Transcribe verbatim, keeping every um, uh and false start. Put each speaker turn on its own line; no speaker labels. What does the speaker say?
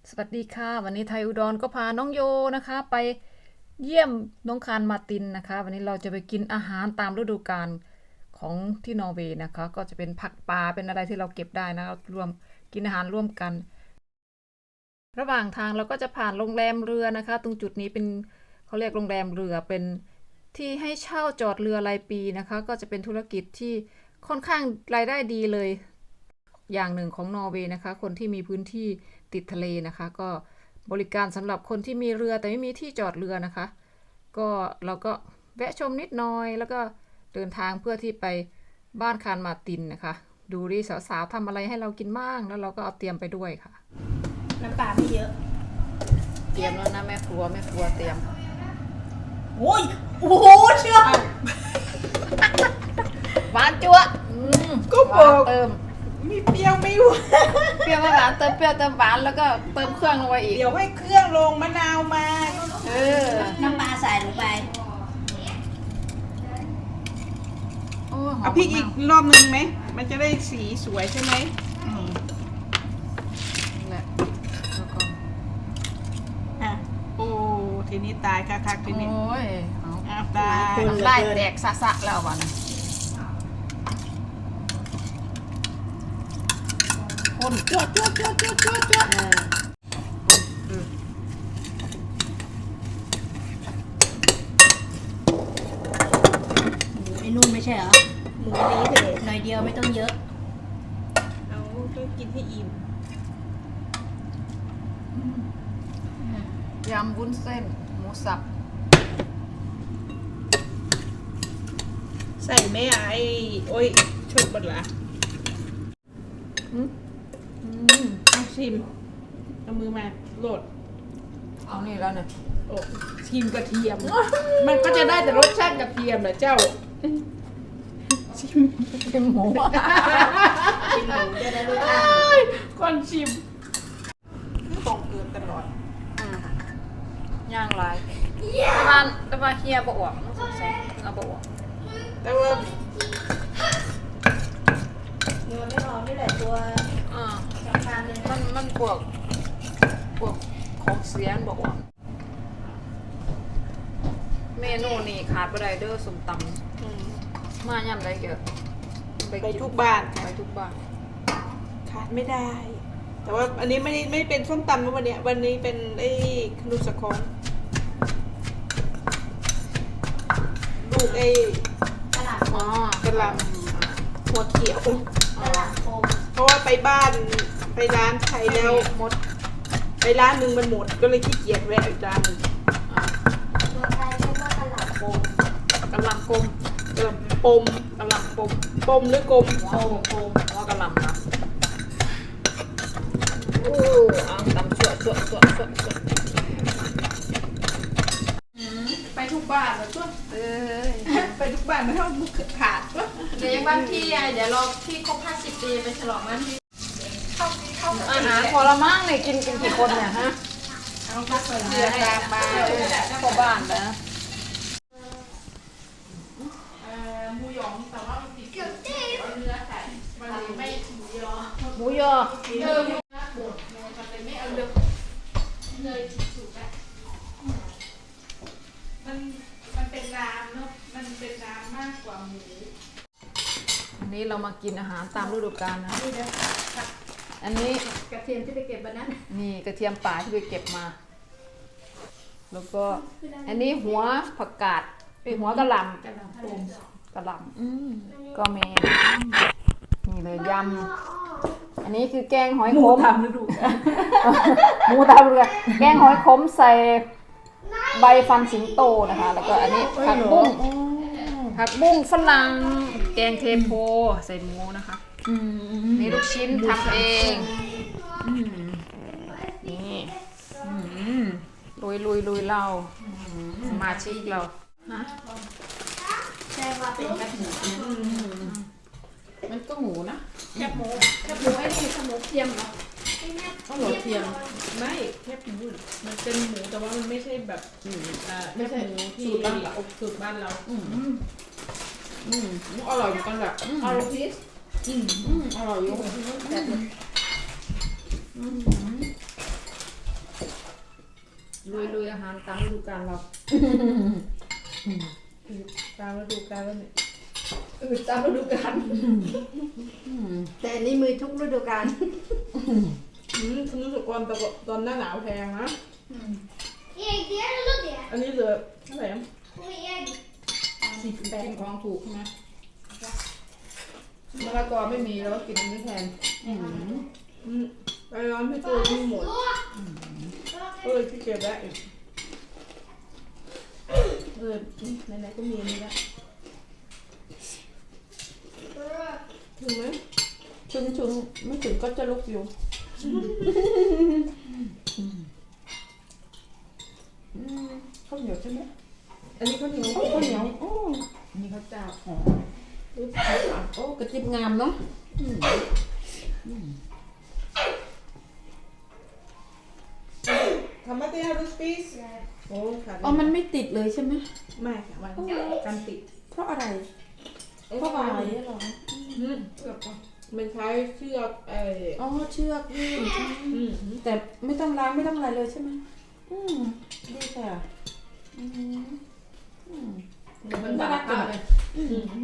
สวัสดีค่ะวันนี้ไทยอุดรก็พาน้องโยนะคะไปเยี่ยมน้องคารมาตินนะคะวันนี้เราจะไปกินอาหารตามฤดูกาลของที่นอร์เวย์นะคะก็จะเป็นผักปลาเป็นอะไรที่เราเก็บได้นะรวมกินอาหารร่วมกันระหว่างทางเราก็จะผ่านโรงแรมเรือนะคะตรงจุดนี้เป็นเขาเรียกโรงแรมเรือเป็นที่ให้เช่าจอดเรือรายปีนะคะก็จะเป็นธุรกิจที่ค่อนข้างรายได้ดีเลยอย่างหนึ่งของนอร์เวย์นะคะคนที่มีพื้นที่ติดทะเลนะคะก็บริการสำหรับคนที่มีเรือแต่ไม่มีที่จอดเรือนะคะก็เราก็แวะชมนิดหน่อยแล้วก็เดินทางเพื่อที่ไปบ้านคารมาตินนะคะดูดิสาวๆทำอะไรให้เรากินบ้างแล้วเราก็เอาเตรียมไปด้วยค่ะ
น้ำปลาไม่เยอะ
เตรียมแล้วนะแม่ครัวแม่ครัวเตรียม
โอ้ยโอ้โหเชื่อ
หวานจั๊ว
ก็บอก
เติม
มีเปรี้ยวไม่หวาน
เปรี้ยวหวานเติมเปรี้ยวเติมหวานแล้วก็เติมเครื่องลงไปอีก
เดี๋ยวให้เครื่องลงมะนาวมา
เออ
น้ำปลาใส่ลงไป
เอาพริกอีกรอบนึงไหมมันจะได้สีสวยใช่ไหม
แหละแล้วก็
อ่ะโอ้ทีนี้ตายคักๆทีนี้
โอ้ย
เอาตาย
ไล่แตกสะๆแล้ววันคนจวดจวดจวดจวดจวดจวด
ไอ้นุ่นไม่ใช่เหรอหมูนี้เถอะหน่อยเดียวไม่ต้องเยอะ
เอาต้องกินให้อิ่ม
ยำวุ้นเส้นหมูสับ
ใส่ไหมไอ้โอ้ยชุดบดละอืมเอาชิมเอามือมาโหลด
เอานี่แล้วเนี่ย
โอ้ชิมกระเทียมมันก็จะได้แต่รสชาติกระเทียมนะเจ้าชิม
ชิมหมู
ชิมหมูจะได้รสชาติ
ก่อนชิมต้องเกินตลอด
ย่างไรแต่ว่าแต่ว่าเฮียบอวกสงสัยเอาบอวก
แต่ว่า
เนื้อไม่หอมไม่แต่ตัว
อ่า
สำคัญเลย
มันมันพวกพวกของเสียนบอกว่าเมนูนี่ขาดไปได้เด้อส้มตำมาย่ำได้เยอะ
ไปทุกบ้าน
ไปทุกบ้าน
ขาดไม่ได้แต่ว่าอันนี้ไม่ได้ไม่เป็นส้มตำนะวันนี้วันนี้เป็นไอ้ขนุนสะคอนลูกไอ้
กระหล่ำ
อ๋อกระหล่
ำหัวเขียว
กระหล่ำโคม
เพราะว่าไปบ้านไปร้านไทยแล้วหมดไปร้านหนึ่งมันหมดก็เลยขี้เกียจแวะอีกร้านหนึ่ง
ตัวไทยเรียกว่ากระหล่ำโคม
กระหล่ำกลม
กระหล่ำปม
กระหล่ำปม
ปมหรือกลม
โอ้โหว่ากระหล่ำนะโอ้เอาตำชั่วชั่วชั่วชั่วชั่ว
ไปทุกบ้านแล้วชั่ว
เออ
ไปทุกบ้านไม่เท่าบุกขาดชั่ว
เดี๋ยวยังบ้านพี่ไงเดี๋ยวรอพี่ครบห้าสิบปีไปฉลองบ้านพี่เข้าเข้า
อาหารพอละมั่งเนี่ยกินกันกี่คนเนี่ยฮะ
เอาพักไปเรือตามมา
พ่อบ้านนะ
หมูหยองแต่ว่ามันติดเกี่ยวเนื้อไก่มันไม่หมูยอ
หมูยอ
เนื้อหมูบดมันเลยไม่เอาเลือกเลยสุกอ่ะมันมันเป็นน้ำเนาะมันเป็นน้ำมากกว่าหมู
อันนี้เรามากินอาหารตามฤดูกาลนะอันนี้
กระเทียมที่ไปเก็บวันนั้น
นี่กระเทียมป่าที่ไปเก็บมาแล้วก็อันนี้หัวผักกาดเป็นหัวกระหล่ำ
กระหล่ำโคม
กระหล่ำก็มีนี่เลยยำอันนี้คือแกงหอยขม
ทำฤดู
หมูตามฤดูกาลแกงหอยขมใส่ใบฟันสิงโตนะคะแล้วก็อันนี้ผักบุ้งผักบุ้งฝรั่งแกงเทโพใส่หมูนะคะนี่ลูกชิ้นทำเองนี่ลุยลุยลุยเราสมาชิกเรานะ
ใช่ว่าเป็นแคบหมู
มันก็หมูนะ
แคบหมูแคบหมูไอ้นี่ขนมเทียมเหรอ
ข้าวหลอดเทียมไม่แคบหมูมันเป็นหมูแต่ว่ามันไม่ใช่แบบอ่าไม่ใช่หมูที่สูตรบ้านเราสูตรบ้านเราอืมอืมอร่อยเหมือนกันแหละ
อร่อยพีช
อืมอร่อยอยู่
ลุยๆอาหารตามฤดูกาลเราตามฤดูกาลแล้วเนี่ย
อืดตามฤดูกาลแต่อันนี้มือทุกฤดูกาล
อืมฉันรู้สึกว่าตอนตอนหน้าหนาวแพงนะ
Erik, det är det det.
อันนี้เหลือเท่าไหร่นะ
Och Erik.
สี่สิบแปดของถูกใช่ไหมมะละกอไม่มีแล้วก็กินอันนี้แทนอืมไปร้อนพี่ตัวไม่หมด
Så.
เออพี่เก็บได้อีกเออไหนๆก็มีอันนี้แล้วถึงไหม
ชุนชุนไม่ถึงก็จะลุกอยู่ข้าวเหนียวใช่ไหม
อันนี้ข้าวเหนียว
ข้าวเหนียวโอ้อันนี้ข้าวเจ้าอ๋อโอ้กระจิบงามเนาะ
ทำมาเตี้ยรูสปีสโอ้ค่ะ
อ๋อมันไม่ติดเลยใช่ไหม
ไม่ค่ะมันกันติด
เพราะอะไรเพราะอะไรเหรอ
อืมมันใช้เชือกไอ้
อ๋อเชือกยืด
อืม
แต่ไม่ต้องล้างไม่ต้องอะไรเลยใช่ไหมอืมดีค่ะอืมอืม
มันบาดมากเลยอืม